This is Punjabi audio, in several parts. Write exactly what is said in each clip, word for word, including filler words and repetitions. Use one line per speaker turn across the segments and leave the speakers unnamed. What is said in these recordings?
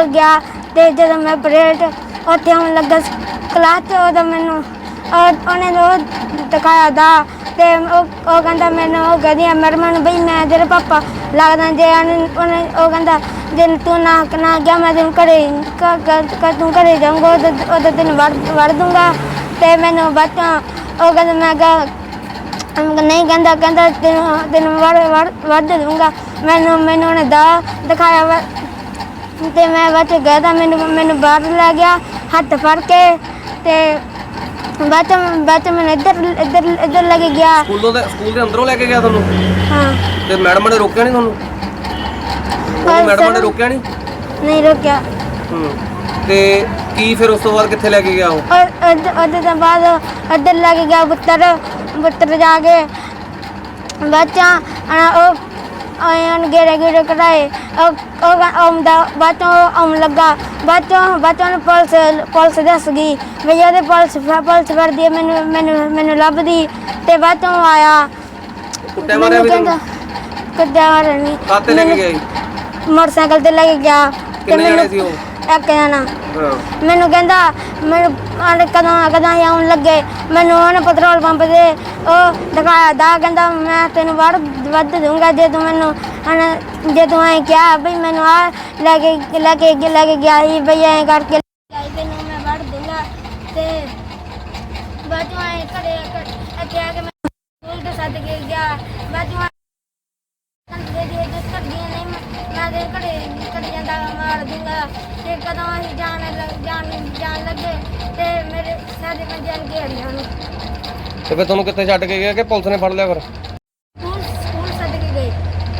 गया तो जो मैं परेड उत्थे आउण लगा क्लास च उदों मैनूं उन्हें दिखाया दा ते ਉਹ ਕਹਿੰਦਾ ਮੈਨੂੰ ਉਹ ਕਹਿੰਦੀ ਮੈਡਮ ਨੂੰ ਬਈ ਮੈਂ ਤੇਰੇ ਪਾਪਾ ਲੱਗਦਾ ਜੇ ਉਹਨੇ ਉਹ ਕਹਿੰਦਾ ਜੇ ਤੂੰ ਨਾ ਨਾ ਗਿਆ ਮੈਂ ਤੈਨੂੰ ਘਰੇ ਤੂੰ ਘਰੇ ਜਾਊਂਗਾ ਉਦੋਂ ਤੈਨੂੰ ਵੜ ਵੜ ਦੂੰਗਾ ਤੇ ਮੈਨੂੰ ਬਾਅਦ ਚੋਂ ਉਹ ਕਹਿੰਦਾ ਮੈਂ ਕਿਹਾ ਨਹੀਂ ਕਹਿੰਦਾ ਕਹਿੰਦਾ ਤੈਨੂੰ ਤੈਨੂੰ ਵੜ ਵੜ ਵੜ ਦੂੰਗਾ ਮੈਨੂੰ ਮੈਨੂੰ ਉਹਨੇ ਦਾ ਦਿਖਾਇਆ ਵਾ ਤੇ ਮੈਂ ਬਾਅਦ ਚ ਗਿਆ ਤਾਂ ਮੈਨੂੰ ਮੈਨੂੰ ਬਾਹਰ ਲੈ ਗਿਆ ਹੱਥ ਫੜ ਕੇ ਤੇ ਬਾਅਦ ਬਾਅਦ ਮੈਂ ਇੱਧਰ ਇੱਧਰ ਇੱਧਰ ਲੈ ਕੇ ਗਿਆ
ਸਕੂਲੋਂ ਦੇ ਸਕੂਲ ਦੇ ਅੰਦਰੋਂ ਲੈ ਕੇ ਗਿਆ ਤੁਹਾਨੂੰ
ਹਾਂ
ਤੇ ਮੈਡਮ ਨੇ ਰੋਕਿਆ ਨਹੀਂ ਤੁਹਾਨੂੰ ਉਹ ਮੈਡਮ ਨੇ ਰੋਕਿਆ ਨਹੀਂ
ਨਹੀਂ ਰੋਕਿਆ
ਹੂੰ ਤੇ ਕੀ ਫਿਰ ਉਸ ਤੋਂ ਬਾਅਦ ਕਿੱਥੇ ਲੈ ਕੇ ਗਿਆ ਉਹ
ਉਹਦੇ ਤੋਂ ਬਾਅਦ ਇੱਧਰ ਲੈ ਕੇ ਗਿਆ ਬੁੱਤਰ ਬੁੱਤਰ ਜਾ ਕੇ ਬੱਚਾ ਉਹ ਆਇਆਂ ਗੇੜੇ ਗੇੜੇ ਕਰਾਏ ਉਹ ਆਉਂਦਾ ਬਾਅਦ ਚੋਂ ਆਉਣ ਲੱਗਾ ਬਾਅਦ ਚੋਂ ਬਾਅਦ ਚੋਂ ਪੁਲਿਸ ਪੁਲਿਸ ਦੱਸ ਗਈ ਵੀ ਉਹਦੇ ਪੁਲਿਸ ਪੁਲਿਸ ਫੜਦੀ ਹੈ ਮੈਨੂੰ ਮੈਨੂੰ ਮੈਨੂੰ ਲੱਭਦੀ ਤੇ ਬਾਅਦ ਚੋਂ ਆਇਆ
ਕੁੱਟਿਆ ਮਾਰਿਆ ਵੀ ਤੁਹਾਨੂੰ
ਕੁੱਟਿਆ ਮਾਰਿਆ ਨਹੀਂ
ਕਾਹਤੇ ਲੈ ਕੇ ਗਿਆ ਜੀ
ਮੋਟਰਸਾਈਕਲ ਤੇ ਲੈ ਕੇ ਗਿਆ
ਕਿੰਨੇ ਜਣੇ ਸੀ ਉਹ
ਇੱਕ ਜਣਾ
ਹਾਂ
ਮੈਨੂੰ ਕਹਿੰਦਾ ਮੈਨੂੰ ਕਦੋਂ ਕਦੋਂ ਆਉਣ ਲੱਗੇ ਮੈਨੂੰ ਉਹਨੇ ਪੈਟਰੋਲ ਪੰਪ ਤੇ ਉਹ ਦਿਖਾਇਆ ਦਾ ਕਹਿੰਦਾ ਮੈਂ ਤੈਨੂੰ ਵੜ ਵੱਧ ਦੂੰਗਾ ਜੇ ਤੂੰ ਮੈਨੂੰ ਜੇ ਤੂੰ ਐਂ ਕਿਹਾ ਬਈ ਮੈਨੂੰ ਆ ਲੈ ਕੇ ਲੈ ਕੇ ਲੈ ਕੇ ਗਿਆ ਸੀ ਬਈ ਐਂ ਕਰਕੇ ਤੈਨੂੰ ਮੈਂ ਵੜ ਦੂੰਗਾ ਤੇ ਬਾਅਦ ਚੋਂ ਐਂ ਘਰੇ ਇੱਥੇ ਆ ਕੇ ਮੈਂ ਸਕੂਲ ਤੇ ਸੱਦ ਕੇ ਗਿਆ ਬਾਅਦ ਚੋਂ ਦੇ ਦੇ ਜਿਸ ਕਰਦੀਆਂ ਨਹੀਂ ਮੈਂ ਦੇ ਘੜੇ ਘੜੇ ਜਾਂਦਾ ਮਾਰ ਦੂੰਗਾ ਤੇ ਕਦੋਂ ਅਸੀਂ ਜਾਣ ਜਾਣ ਜਾਣ ਲੱਗੇ ਤੇ ਮੇਰੇ ਸਾਡੇ ਪੰਜਾਂ ਘੇੜਿਆ ਨੂੰ
ਤੇ ਫਿਰ ਤੁਹਾਨੂੰ ਕਿੱਥੇ ਛੱਡ ਕੇ ਗਿਆ ਕਿ ਪੁਲਿਸ ਨੇ ਫੜ ਲਿਆ ਫਿਰ
ਸਕੂਲ ਸਕੂਲ ਸੱਦ ਕੇ ਗਏ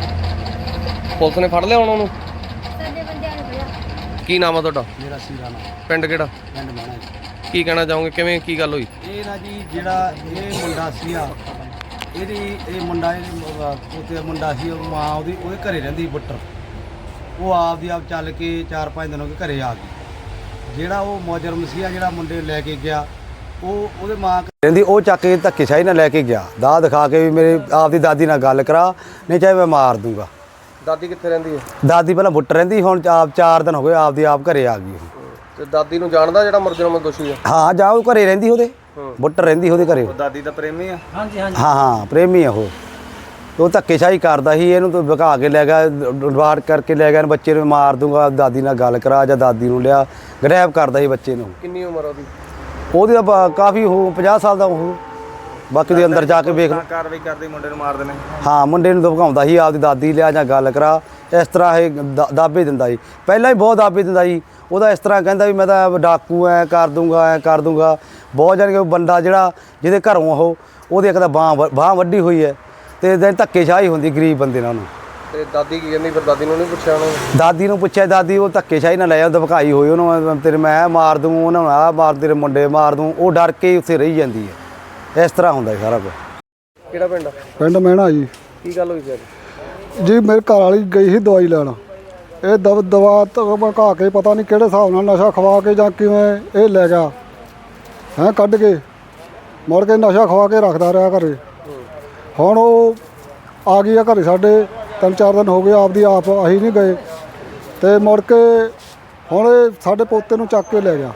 ਪੁਲਿਸ ਨੇ ਫੜ ਲਿਆ ਉਹਨਾਂ ਨੂੰ
ਸਾਡੇ ਬੰਦਿਆਂ ਨੇ ਫੜਿਆ
ਕੀ ਨਾਮ ਆ ਤੁਹਾਡਾ
ਮੇਰਾ ਸੀਰਾ ਨਾ
ਪਿੰਡ ਕਿਹੜਾ
ਪਿੰਡ ਮਾਣਾ ਜੀ।
ਕੀ ਕਹਿਣਾ ਚਾਹੋਗੇ ਕਿਵੇਂ ਕੀ ਗੱਲ ਹੋਈ
ਇਹ ਨਾ ਜੀ ਜਿਹੜਾ ਇਹ ਮੁੰਡਾ ਸੀਗਾ ਇਹਦੀ ਇਹ ਮੁੰਡਾ ਇਹ ਉੱਥੇ ਮੁੰਡਾ ਸੀ ਉਹ ਮਾਂ ਉਹਦੀ ਉਹਦੇ ਘਰੇ ਰਹਿੰਦੀ ਬੁੱਟਰ ਉਹ ਆਪਦੀ ਆਪ ਚੱਲ ਕੇ ਚਾਰ ਪੰਜ ਦਿਨ ਹੋ ਗਏ ਘਰੇ ਆ ਗਈ ਜਿਹੜਾ ਉਹ ਮੁਜਰਮ ਸੀਗਾ ਜਿਹੜਾ ਮੁੰਡੇ ਲੈ ਕੇ ਗਿਆ ਉਹ ਉਹਦੇ ਮਾਂ
ਕਹਿੰਦੀ ਉਹ ਚੱਕ ਕੇ ਧੱਕੇਸ਼ਾਹੀ ਨਾਲ ਲੈ ਕੇ ਗਿਆ ਦਾ ਦਿਖਾ ਕੇ ਵੀ ਮੇਰੇ ਆਪਦੀ ਦਾਦੀ ਨਾਲ ਗੱਲ ਕਰਾ ਨਹੀਂ ਚਾਹੇ ਮੈਂ ਮਾਰ ਦੂੰਗਾ
ਦਾਦੀ ਕਿੱਥੇ ਰਹਿੰਦੀ ਹੈ
ਦਾਦੀ ਪਹਿਲਾਂ ਬੁੱਟ ਰਹਿੰਦੀ ਹੁਣ ਆਪ ਚਾਰ ਦਿਨ ਹੋ ਗਏ ਆਪਦੀ ਆਪ ਘਰੇ ਆ ਗਈ
ਤੇ ਦਾਦੀ ਨੂੰ ਜਾਣਦਾ ਜਿਹੜਾ ਮੁਜਰਮ ਦੋਸ਼ੀ ਹੈ
ਹਾਂ ਜਾ ਉਹ ਘਰੇ ਰਹਿੰਦੀ ਉਹਦੇ ਬੁੱਟ ਰਹਿੰਦੀ ਉਹਦੇ ਘਰੇ
ਦਾਦੀ ਦਾ ਪ੍ਰੇਮੀ ਆ ਹਾਂਜੀ ਹਾਂਜੀ
ਹਾਂ ਹਾਂ ਪ੍ਰੇਮੀ ਆ ਉਹ ਉਹ ਧੱਕੇਸ਼ਾਹੀ ਕਰਦਾ ਸੀ ਇਹਨੂੰ ਤਾਂ ਵਿਖਾ ਕੇ ਲੈ ਗਿਆ ਡਿਵਾਰਟ ਕਰਕੇ ਲੈ ਗਿਆ ਬੱਚੇ ਨੂੰ ਮਾਰ ਦੂੰਗਾ ਦਾਦੀ ਨਾਲ ਗੱਲ ਕਰਾ ਜਾਂ ਦਾਦੀ ਨੂੰ ਲਿਆ ਗ੍ਰੈਬ ਕਰਦਾ ਸੀ ਬੱਚੇ ਨੂੰ
ਕਿੰਨੀ ਉਮਰ ਉਹਦੀ
ਉਹਦੀ ਤਾਂ ਕਾਫੀ ਉਹ ਪੰਜਾਹ ਸਾਲ ਦਾ ਉਹ ਬਾਕੀ ਦੇ ਅੰਦਰ ਜਾ ਕੇ ਵੇਖ ਲਓ
ਕਾਰਵਾਈ ਕਰਦੇ ਮੁੰਡੇ ਨੂੰ ਮਾਰਦੇ ਨੇ
ਹਾਂ ਮੁੰਡੇ ਨੂੰ ਧਮਕਾਉਂਦਾ ਸੀ ਆਪਦੀ ਦਾਦੀ ਲਿਆ ਜਾਂ ਗੱਲ ਕਰਾ ਇਸ ਤਰ੍ਹਾਂ ਇਹ ਦਾਬੇ ਦਿੰਦਾ ਸੀ ਪਹਿਲਾਂ ਹੀ ਬਹੁਤ ਦਾਬੇ ਦਿੰਦਾ ਸੀ ਉਹਦਾ ਇਸ ਤਰ੍ਹਾਂ ਕਹਿੰਦਾ ਵੀ ਮੈਂ ਤਾਂ ਡਾਕੂ ਐ ਕਰ ਦੂੰਗਾ ਐ ਕਰ ਦੂੰਗਾ ਬਹੁਤ ਜਾਣੀ ਕਿ ਬੰਦਾ ਜਿਹੜਾ ਜਿਹਦੇ ਘਰੋਂ ਉਹ ਉਹਦੀ ਇੱਕ ਤਾਂ ਬਾਂਹ ਬਾਂਹ ਵੱਢੀ ਹੋਈ ਹੈ ਤੇ ਦਿਨ ਧੱਕੇਸ਼ਾਹੀ ਹੁੰਦੀ ਗਰੀਬ ਬੰਦੇ ਨਾਲ ਉਹਨੂੰ
ਤੇ ਦਾਦੀ ਕੀ ਕਹਿੰਦੀ ਫਿਰ ਦਾਦੀ ਨੂੰ ਨਹੀਂ ਪੁੱਛਿਆ ਉਹਨੂੰ
ਦਾਦੀ ਨੂੰ ਪੁੱਛਿਆ ਦਾਦੀ ਉਹ ਧੱਕੇਸ਼ਾਹੀ ਨਾਲ ਲੈ ਜਾਂਦਾ ਧਮਕਾਈ ਹੋਈ ਉਹਨੂੰ ਤੇਰੇ ਮੈਂ ਮਾਰ ਦੂੰ ਉਹਨਾਂ ਨੂੰ ਆਹ ਮਾਰ ਤੇਰੇ ਮੁੰਡੇ ਮਾਰ ਦੂੰ ਉਹ ਡਰ ਕੇ ਉੱਥੇ ਰਹੀ ਜਾਂਦੀ ਹੈ ਇਸ ਤਰ੍ਹਾਂ ਹੁੰਦਾ ਸਾਰਾ ਕੁਝ
ਕਿਹੜਾ ਪਿੰਡ
ਪਿੰਡ ਮਹਿਣਾ ਜੀ।
ਕੀ ਗੱਲ ਹੋਈ ਫਿਰ
ਜੀ ਮੇਰੇ ਘਰ ਵਾਲੀ ਗਈ ਸੀ ਦਵਾਈ ਲੈਣ ਇਹ ਦਵ ਦਵਾ ਧਮਕਾ ਕੇ ਪਤਾ ਨਹੀਂ ਕਿਹੜੇ ਹਿਸਾਬ ਨਾਲ ਨਸ਼ਾ ਖਵਾ ਕੇ ਜਾਂ ਕਿਵੇਂ ਇਹ ਲੈ ਗਿਆ ਹੈਂ ਕੱਢ ਕੇ ਮੁੜ ਕੇ ਨਸ਼ਾ ਖਵਾ ਕੇ ਰੱਖਦਾ ਰਿਹਾ ਘਰੇ ਹੁਣ ਉਹ ਆ ਗਈ ਆ ਘਰੇ ਸਾਡੇ ਤਿੰਨ ਚਾਰ ਦਿਨ ਹੋ ਗਏ ਆਪਦੀ ਆਪ ਅਸੀਂ ਨਹੀਂ ਗਏ ਤੇ ਮੁੜ ਕੇ ਹੁਣ ਇਹ ਸਾਡੇ ਪੋਤੇ ਨੂੰ ਚੱਕ ਕੇ ਲੈ ਗਿਆ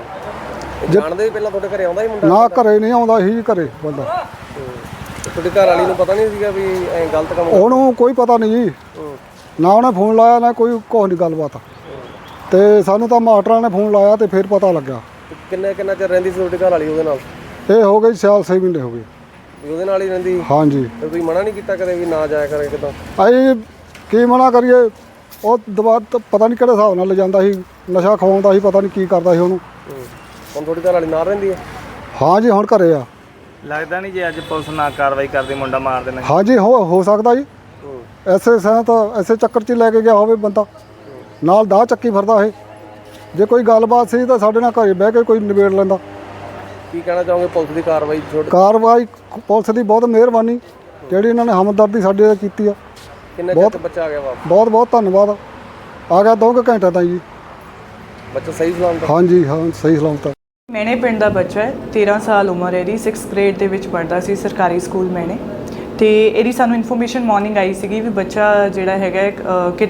ਜਾਣਦੇ ਵੀ ਪਹਿਲਾਂ ਤੁਹਾਡੇ ਘਰੇ ਆਉਂਦਾ ਹੀ ਮੁੰਡਾ
ਨਾ ਘਰੇ ਨਹੀਂ ਆਉਂਦਾ ਸੀ ਘਰੇ ਬੰਦਾ
ਤੁਹਾਡੀ ਘਰ ਵਾਲੀ ਨੂੰ ਪਤਾ ਨਹੀਂ ਸੀਗਾ ਵੀ ਐ ਗਲਤ ਕੰਮ
ਉਹਨੂੰ ਕੋਈ ਪਤਾ ਨਹੀਂ ਜੀ ਨਾ ਉਹਨੇ ਫੋਨ ਲਾਇਆ ਨਾ ਕੋਈ ਕੁਛ ਨਹੀਂ ਗੱਲਬਾਤ ਤੇ ਸਾਨੂੰ ਤਾਂ ਮਾਸਟਰਾਂ ਨੇ ਫੋਨ ਲਾਇਆ ਤੇ ਫਿਰ ਪਤਾ ਲੱਗਾ
ਕਿੰਨੇ ਕਿੰਨਾ ਚਿਰ ਰਹਿੰਦੀ ਸੀ ਤੁਹਾਡੀ ਘਰ ਵਾਲੀ ਉਹਦੇ ਨਾਲ
ਇਹ ਹੋ ਗਈ ਸਾਲ ਛੇ ਮਹੀਨੇ ਹੋ ਗਏ
ਵੀ ਉਹਦੇ ਨਾਲ ਹੀ ਰਹਿੰਦੀ
ਹਾਂਜੀ
ਤੇ ਤੁਸੀਂ ਮਨਾ ਨਹੀਂ ਕੀਤਾ ਕਦੇ ਵੀ ਨਾ ਜਾਇਆ ਕਰੇ ਕਿਦਾਂ
ਅਸੀਂ ਕੀ ਮਨਾ ਕਰੀਏ ਉਹ ਦਵਾ ਪਤਾ ਨਹੀਂ ਕਿਹੜੇ ਹਿਸਾਬ ਨਾਲ ਲਿਜਾਂਦਾ ਸੀ ਨਸ਼ਾ ਖਵਾਉਂਦਾ ਸੀ ਪਤਾ ਨਹੀਂ ਕੀ ਕਰਦਾ ਸੀ ਉਹਨੂੰ
ਹੁਣ ਤੁਹਾਡੀ ਘਰ ਵਾਲੀ ਨਾਲ ਰਹਿੰਦੀ ਹੈ
ਹਾਂਜੀ ਹੁਣ ਘਰੇ ਆ
ਲੱਗਦਾ ਨਹੀਂ ਜੇ ਅੱਜ ਪੁਲਿਸ ਨਾ ਕਾਰਵਾਈ ਕਰਦੀ ਮੁੰਡਾ ਮਾਰ ਦੇਣਾ
ਹਾਂਜੀ ਹੋ ਹੋ ਸਕਦਾ ਜੀ ਐਸੇ ਸਾਂ ਤਾਂ ਐਸੇ ਚੱਕਰ 'ਚ ਲੈ ਕੇ ਗਿਆ ਹੋਵੇ ਬੰਦਾ ਨਾਲ ਦਾਹ ਚੱਕੀ ਫਿਰਦਾ ਇਹ ਜੇ ਕੋਈ ਗੱਲਬਾਤ ਸੀ ਤਾਂ ਸਾਡੇ ਨਾਲ ਘਰੇ ਬਹਿ ਕੇ ਕੋਈ ਨਿਬੇੜ ਲੈਂਦਾ
ਕੀ ਕਹਿਣਾ ਚਾਹੋਗੇ ਪੁਲਿਸ ਦੀ ਕਾਰਵਾਈ
ਕਾਰਵਾਈ ਪੁਲਿਸ ਦੀ ਬਹੁਤ ਮਿਹਰਬਾਨੀ ਜਿਹੜੀ ਇਹਨਾਂ ਨੇ ਹਮਦਰਦੀ ਸਾਡੇ ਨਾਲ ਕੀਤੀ ਆ
ਕਿੰਨੇ ਚਿਰ ਬੱਚਾ ਆ ਗਿਆ ਵਾਪਸ
ਬਹੁਤ ਬਹੁਤ ਧੰਨਵਾਦ ਆ ਗਿਆ ਦੋ ਕੁ ਘੰਟੇ ਤਾਈਂ ਜੀ
ਬੱਚਾ ਸਹੀ ਸਲਾਮਤ
ਹਾਂਜੀ ਹਾਂ ਸਹੀ ਸਲਾਮਤ
ਮੈਨੇ ਪਿੰਡ ਦਾ ਬੱਚਾ ਹੈ ਤੇਰਾਂ ਸਾਲ ਉਮਰ ਹੈ ਇਹਦੀ ਸਿਕਸਥ ਗ੍ਰੇਡ ਦੇ ਵਿੱਚ ਪੜ੍ਹਦਾ ਸੀ ਸਰਕਾਰੀ ਸਕੂਲ ਮੈਨੇ ਤੇ ਇਹਦੀ ਸਾਨੂੰ ਇਨਫੋਰਮੇਸ਼ਨ ਮਾਰਨਿੰਗ ਆਈ ਸੀਗੀ ਵੀ ਬੱਚਾ ਜਿਹੜਾ ਹੈਗਾ ਕਿਡਨੈਪ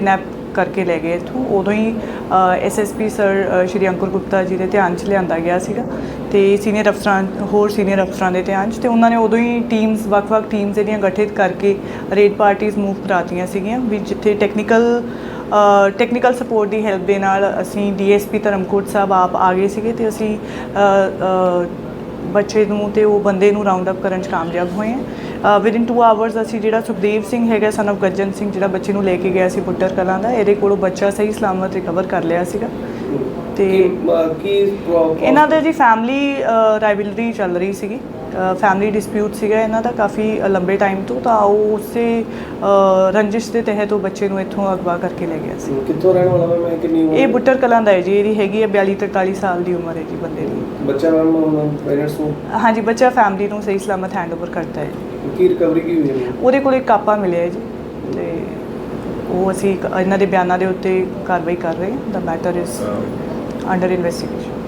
ਕਰਕੇ ਲੈ ਗਏ ਇੱਥੋਂ। ਉਦੋਂ ਹੀ ਐਸ ਐਸ ਪੀ ਸਰ ਅ, ਸ਼੍ਰੀ ਅੰਕੁਰ ਗੁਪਤਾ ਜੀ ਦੇ ਧਿਆਨ 'ਚ ਲਿਆਂਦਾ ਗਿਆ ਸੀਗਾ ਤੇ ਸੀਨੀਅਰ ਅਫਸਰਾਂ ਹੋਰ ਸੀਨੀਅਰ ਅਫਸਰਾਂ ਦੇ ਧਿਆਨ 'ਚ, ਤੇ ਉਹਨਾਂ ਨੇ ਉਦੋਂ ਹੀ ਟੀਮਸ ਵੱਖ-ਵੱਖ ਟੀਮਸ ਜਿਹੜੀਆਂ ਗਠਿਤ ਕਰਕੇ ਰੇਡ ਪਾਰਟੀਆਂ ਮੂਵ ਕਰਾਤੀਆਂ ਸੀਗੀਆਂ ਵੀ ਜਿੱਥੇ ਟੈਕਨੀਕਲ ਟੈਕਨੀਕਲ ਸਪੋਰਟ ਦੀ ਹੈਲਪ ਦੇ ਨਾਲ ਅਸੀਂ D S P Dharamkot Sahib ਆਪ ਆ ਗਏ ਸੀਗੇ ਤੇ ਅਸੀਂ ਅ, ਅ, ਬੱਚੇ ਨੂੰ ਤੇ ਉਹ ਬੰਦੇ ਨੂੰ ਰਾਉਂਡ ਅਪ ਕਰਨ 'ਚ ਕਾਮਯਾਬ ਹੋਏ ਹਾਂ। ਵਿਦਿਨ ਟੂ ਆਵਰਸ ਅਸੀਂ ਜਿਹੜਾ ਸੁਖਦੇਵ ਸਿੰਘ ਹੈਗਾ ਸਨ ਆਫ ਗੱਜਨ ਸਿੰਘ, ਜਿਹੜਾ ਬੱਚੇ ਨੂੰ ਲੈ ਕੇ ਗਿਆ ਸੀ ਪੁੱਟਰ ਕਲਾਂ ਦਾ, ਇਹਦੇ ਕੋਲੋਂ ਬੱਚਾ ਸਹੀ ਸਲਾਮਤ ਰਿਕਵਰ ਕਰ ਲਿਆ ਸੀਗਾ। ਤੇ
ਕੀ
ਇਹਨਾਂ ਦੇ ਜੀ ਫੈਮਿਲੀ ਰਾਈਵਲਰੀ ਚੱਲ ਰਹੀ ਸੀਗੀ, ਫੈਮਿਲੀ ਡਿਸਪਿਊਟ ਸੀਗਾ ਇਹਨਾਂ ਦਾ ਕਾਫੀ ਲੰਬੇ ਟਾਈਮ ਤੋਂ, ਤਾਂ ਉਹ ਉਸੇ ਅ, ਰੰਜਿਸ਼ ਦੇ ਤਹਿਤ ਉਹ ਬੱਚੇ ਨੂੰ ਇੱਥੋਂ ਅਗਵਾ ਕਰਕੇ ਲੈ ਗਿਆ ਸੀ।
ਕਿੱਥੋਂ ਰਹਿਣ ਵਾਲਾ ਮੈਂ ਕਿੰਨੀ
ਇਹ ਬੁੱਟਰ ਕਲਾਂ ਦਾ ਹੈ ਜੀ, ਇਹਦੀ ਹੈਗੀ ਹੈ ਬਿਆਲੀ ਤਰਤਾਲੀ ਸਾਲ ਦੀ ਉਮਰ ਹੈ ਜੀ ਬੰਦੇ ਦੀ।
ਬੱਚਾ ਮੈਮ ਪੇਰੈਂਟਸ ਨੂੰ
ਹਾਂਜੀ, ਬੱਚਾ ਫੈਮਿਲੀ ਨੂੰ ਸਹੀ ਸਲਾਮਤ ਹੈਂਡਓਵਰ ਕਰਤਾ ਹੈ।
ਕੀ ਰਿਕਵਰੀ ਕੀ ਹੋਈ ਹੈ?
ਉਹਦੇ ਕੋਲ ਇੱਕ ਕਾਪਾ ਮਿਲਿਆ ਹੈ ਜੀ ਤੇ ਉਹ ਅਸੀਂ ਇੱਕ- ਇਹਨਾਂ ਦੇ ਬਿਆਨਾਂ ਦੇ ਉੱਤੇ ਕਾਰਵਾਈ ਕਰ ਰਹੇ ਹਾਂ। ਦਾ ਮੈਟਰ ਇਜ਼ ਅੰਡਰ ਇਨਵੈਸਟੀਗੇਸ਼ਨ।